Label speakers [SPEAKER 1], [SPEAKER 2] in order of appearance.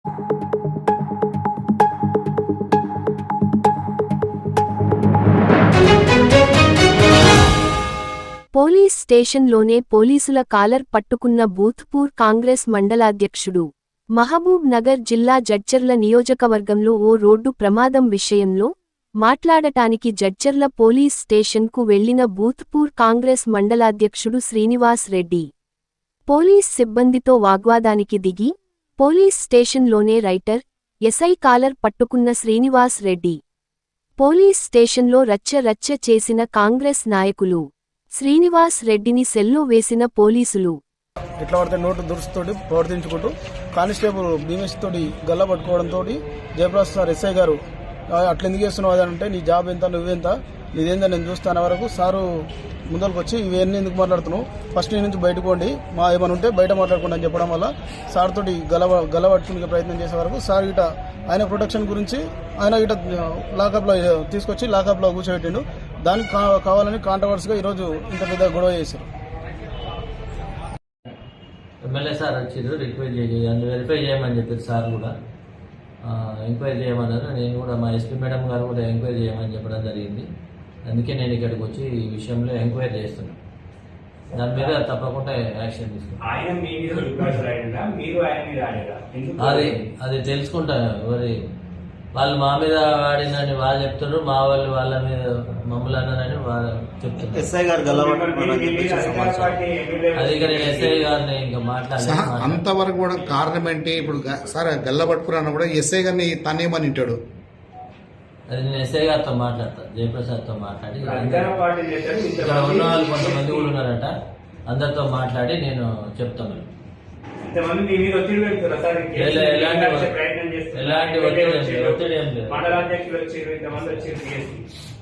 [SPEAKER 1] Police స్టేషన్లోనే పోలీసుల caller పట్టుకున్న బూత్పూర్ కాంగ్రెస్ మండలాధ్యక్షుడు. మహబూబ్ నగర్ జిల్లా జడ్చర్ల నియోజకవర్గంలో ఓ రోడ్డు ప్రమాదం విషయంలో మాట్లాడటానికి జడ్చర్ల పోలీస్ స్టేషన్కు వెళ్లిన బూత్పూర్ కాంగ్రెస్ మండలాధ్యక్షుడు శ్రీనివాస్ రెడ్డి పోలీస్ సిబ్బందితో వాగ్వాదానికి దిగి పోలీస్ స్టేషన్లోనే రైటర్ ఎస్ఐ కాలర్ పట్టుకున్న శ్రీనివాస్ రెడ్డి పోలీస్ స్టేషన్లో రచ్చ చేసిన కాంగ్రెస్ నాయకులు శ్రీనివాస్ రెడ్డిని సెల్లో వేసిన పోలీసులు
[SPEAKER 2] ఇట్లా పడితే నోటు దురుసుతోటి ప్రవర్తించుకుంటూ కానిస్టేబుల్ భీమేష్ తోటి గల్ల పట్టుకోవడంతో జయప్రకాష్ సార్ ఎస్ఐ గారు అట్లా ఎందుకు చేస్తున్నావు అని అంటే నీ జాబ్ ఎంత నువ్వెంత నీదేందా నేను చూస్తాను వరకు సారు ముందరకు వచ్చి ఇవన్నీ ఎందుకు మాట్లాడుతున్నావు ఫస్ట్ నీ నుంచి బయటకు పోండి మా ఏమైనా ఉంటే బయట మాట్లాడుకోండి అని చెప్పడం వల్ల సార్ తోటి గల పట్టుకునే ప్రయత్నం చేసే వరకు సార్ ఇట ఆయన ప్రొటెక్షన్ గురించి ఆయన ఇట లాకప్లో తీసుకొచ్చి లాకప్లో కూర్చోబెట్టిండు. దానికి కావాలని కాంట్రవర్సీగా ఈరోజు ఇంత పెద్ద గొడవ చేశారు.
[SPEAKER 3] ఎమ్మెల్యే సార్ వచ్చారు రిక్వెస్ట్ చేసి వెరిఫై చేయమని చెప్పారు. సార్ కూడా ఎంక్వైరీ చేయమన్నారు. నేను కూడా మా ఎస్పీ మేడం గారు కూడా ఎంక్వైరీ చేయమని చెప్పడం జరిగింది. అందుకే నేను ఇక్కడికి వచ్చి ఈ విషయంలో ఎంక్వైరీ చేస్తున్నాను. దాని మీద తప్పకుండా యాక్షన్ తీసుకుంటాను. అది తెలుసుకుంటా. మరి వాళ్ళు మా మీద వాడినని వాళ్ళు చెప్తున్నారు, మా వాళ్ళు వాళ్ళ మీద మమ్మల్ని అన్నారని వాళ్ళు చెప్తున్నారు.
[SPEAKER 4] ఎస్ఐ గారు
[SPEAKER 3] అది ఇక నేను ఎస్ఐ గారిని ఇంకా మాట్లాడాలి.
[SPEAKER 5] అంతవరకు కూడా కారణం ఏంటి? ఇప్పుడు సార్ గల్ల పట్టుకున్నా కూడా ఎస్ఐ గారిని తనేమని వింటాడు.
[SPEAKER 3] అది నేను ఎస్ఐ గారితో మాట్లాడతా, జయప్రసాద్తో మాట్లాడి ఇక్కడ ఉన్న వాళ్ళు కొంతమంది కూడా ఉన్నారట, అందరితో మాట్లాడి నేను చెప్తాను. ఎలాంటి ఒత్తిడి ఏం లేదు.